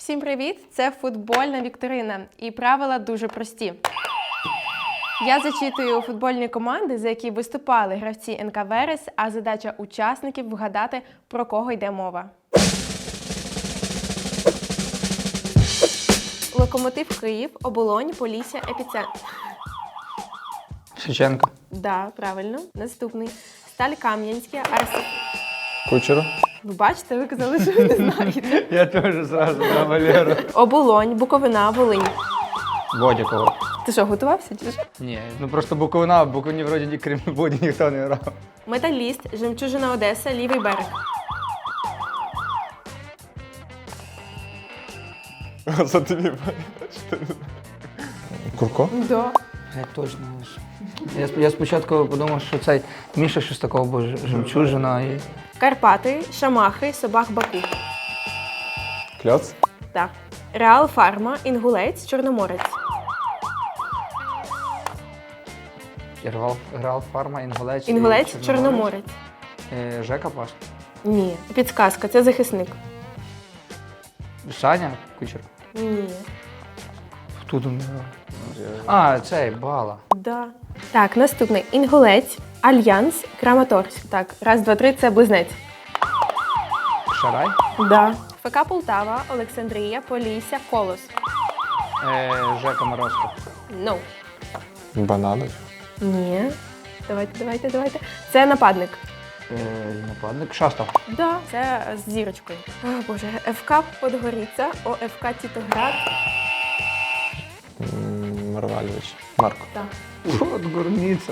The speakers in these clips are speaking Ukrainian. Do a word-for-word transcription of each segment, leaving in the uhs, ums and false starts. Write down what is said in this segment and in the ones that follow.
Всім привіт! Це футбольна вікторина. І правила дуже прості. Я зачитую футбольні команди, за які виступали гравці ен ка Верес, а задача учасників вгадати, про кого йде мова. Локомотив Київ, Оболонь, Полісся, Епіцентр. Шевченко. Да, правильно. Наступний. Сталь Кам'янське, Арсенал. Кучера. Ви бачите, ви казали, що ви не знаєте. Я теж зразу на Валеру. Оболонь, Буковина, Волинь. Бодякого. Ти що, готувався? Чи що? Ні, ну просто Буковина, в Буковині вроді ні, крім Боді ніхто не грав. Металіст, Жемчужина Одеса, Лівий берег. За тобі. Курко? Да. Я точно не знаю. Я, сп- я спочатку подумав, що цей Міша щось такого, бо ж- жемчужина і... Карпати, Шамахи, Собах Баку. Кльоц? Так. Реал Фарма, Інгулець, Чорноморець. Ірвал, Грал, Фарма, Інгулець. і Інгулець, Чорноморець. Е, Жека Паш. Ні. Підсказка, це захисник. Саня Кучер. Ні. Хто там не грав? А, цей, Бала. Да. Так, наступний. Інгулець, Альянс, Краматорськ. Так, раз, два, три, це близнець. Шарай. Да. ФК Полтава, Олександрія, Полісся, Колос. Е, Жека Морозко. No. Бананович. Ні. Давайте, давайте, давайте. Це нападник. Е, нападник. Шастов. Да, це з зірочкою. О, Боже, ФК Подгоріця, ОФК Тітоград. М, Марвальович. Марко. Так. От горниця.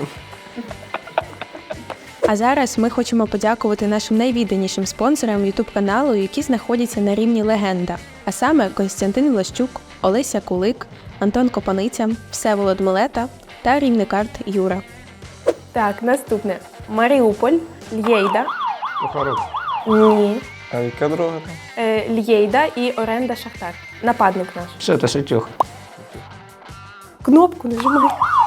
А зараз ми хочемо подякувати нашим найвідданішим спонсорам ютуб-каналу, які знаходяться на рівні легенда. А саме Костянтин Влащук, Олеся Кулик, Антон Копаниця, Всеволод Милета та рівникарт Юра. Так, наступне. Маріуполь, Л'єйда. Кухарук. Ні. А яка друга там? Е, Л'єйда і Оренда Шахтар. Нападник наш. Все, це Шитюх. Кнопку нажимай.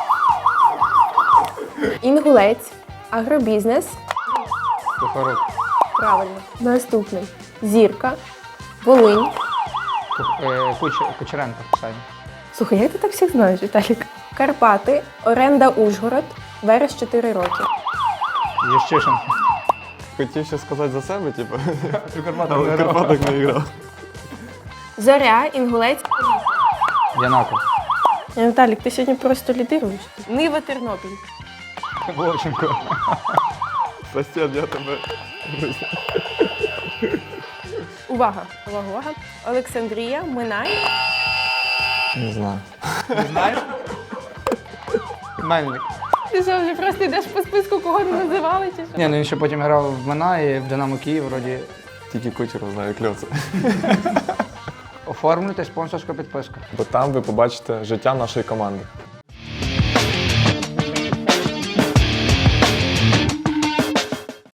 Інгулець, агробізнес. Кухарук. Правильно. Наступний. Зірка, Волинь. Кух- е, Куч- Кучеренко. Саня. Слухай, як ти так всіх знаєш, Віталік? Карпати, Оренда Ужгород, Верес чотири роки. Єщишин. Хотів ще сказати за себе, типу. У Карпатах Але в Карпатах не грав. Зоря, Інгулець. Янаков. Е, Віталік, ти сьогодні просто лідируєш. Нива, Тернопіль. Вовченко. Сосед, я тебе. Увага, увага, увага. Олександрія, Минай. Не знаю. Не знаєш? Мельник. Ти що, вже просто йдеш по списку, кого не називали, чи що? Ні, ну він ще потім грав в Мина і в Динамо Київ, вроді. Тільки Кучера знаю Кльоца. Оформлюйте спонсорську підписку. Бо там ви побачите життя нашої команди.